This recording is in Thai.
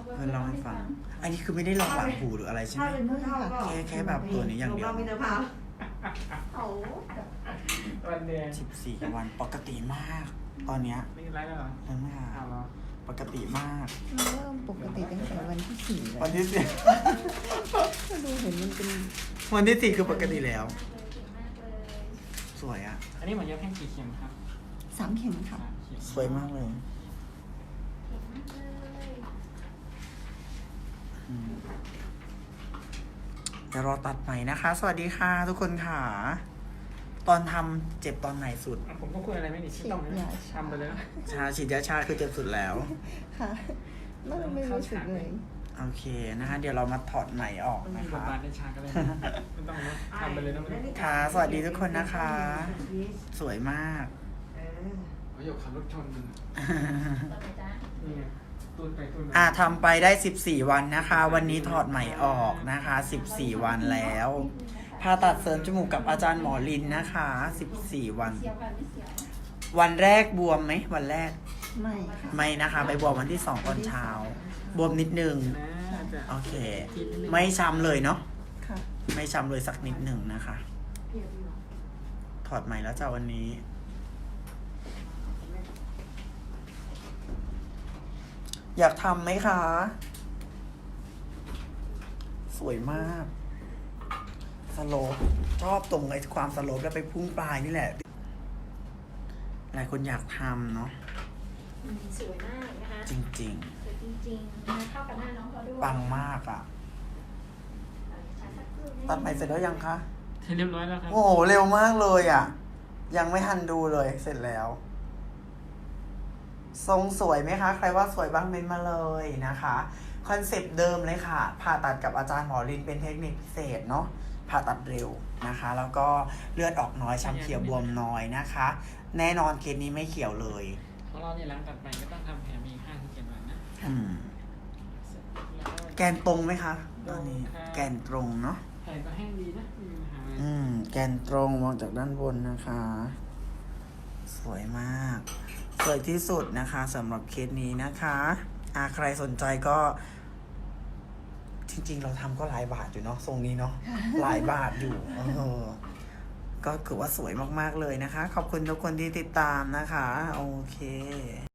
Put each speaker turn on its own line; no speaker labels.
เพื่อนเล่าให้ฟัง อันนี้คือไม่ได้ลองหลังหูหรืออะไรใช่ไหม
ถ้าเป็นผู้เฒ่าก็
แค่แบบตัวนี้อย่างเดียว
เราไม่ได้พา
วันเดียว
14 วันปกติมาก ตอนเนี้ย
นี่ไลฟ์แล้วเหรอ
เริ่มไม่หา
เอาเหรอ
ปกติมาก
เริ่มปกติตั้งแต่วันที่ 4
วันที่สี่
ก็ดูเห็นมันเป็น
วันที่สี่คือปกติแล้ว สวยอ่ะ
อันนี้หมอเย็บแค่กี่เข็มครับ
3 เข็มค่ะ
3 เข็ม
สวยมากเลยอืมเดี๋ยวรอตัดใหม่นะคะ สวัสดีค่ะทุกคนค่ะ ตอนทำเจ็บตอนไหนสุด
อ่ะผมก็คุยอะไรไม่ดีไม่ต้องนะทำไปเลยนะ
ชาฉีดยาชาคือเจ็บสุดแล้ว
ค่ะไม่รู้สึกเลย
โอเคนะคะ เดี๋ยวเรามาถอดไหมออก
มัน
นะ
มีบท
คะ
บาทในฉากกันเลยไม่ต้องนะทำไปเลยนะไม่ต้อง
ค่ะสวัสดีทุกคนนะคะ สวยมาก
ประโยคขับรถชนกันนี่ไงตูนไปตูนมา
ทำไปได้ 14 วันนะคะ วันนี้ถอดไหมออกนะคะ 14 วันแล้วผ่าตัดเสริมจมูกกับอาจารย์หมอลินนะคะ 14 วัน วันแรกบวมไหมวันแรก
ไม่ค่ะ
ไม่นะคะ ไปบวมวันที่ 2 ตอนเช้า บวมนิดนึง
นะจะ
โอเค ไม่ช้ำเลยเนาะ
ค่ะ
ไม่ช้ำเลยสักนิดหนึ่งนะคะ ถอดไหมแล้วจ้าวันนี้ อยากทำไหมคะ สวยมาก สโลปชอบตรงไอ้ความสโลปแล้วไปพุ่งปลายนี่แหละ หลายคนอยากทำเนาะ
สวยมากนะคะ
จริง
สวยจริงๆนะคะเข้ากับหน้าน้องเขาด้วย
ๆ ปังมากอ่ะ ตัดไหมเสร็จแล้วยังคะ
เรียบร้อยแล้วครับ
โอ้โห เร็วมากเลยอ่ะ ยังไม่ทันดูเลย เสร็จแล้ว ทรงสวยไหมคะ ใครว่าสวยบ้างเม้นมาเลยนะคะ คอนเซปต์เดิมเลยค่ะ ผ่าตัดกับอาจารย์หมอลินเป็นเทคนิคพิเศษเนาะ ผ่าตัดเร็วนะคะ แล้วก็เลือดออกน้อย ช้ำเขียวบวมน้อยนะคะ แน่นอนเคสนี้ไม่เขียวเลย
ของเราเนี่ยหลังตัดไปก็ต้องทำแผลมี5-7 วันนะ
อืม
แล้วก็
แกนตรงไหมคะตอนนี้
ค่ะ
แกนตรงเนาะ
แผลก็แห้งดีนะไม่มีปัญหาเลย
แกนตรงมองจากด้านบนนะคะ สวยมาก สวยที่สุดนะคะสำหรับเคสนี้นะคะใครสนใจก็ จริงๆ เราทำก็หลายบาทอยู่เนาะทรงนี้เนาะ หลายบาทอยู่ก็คือว่าสวยมากๆเลยนะคะ ขอบคุณทุกคนที่ติดตามนะคะ โอเค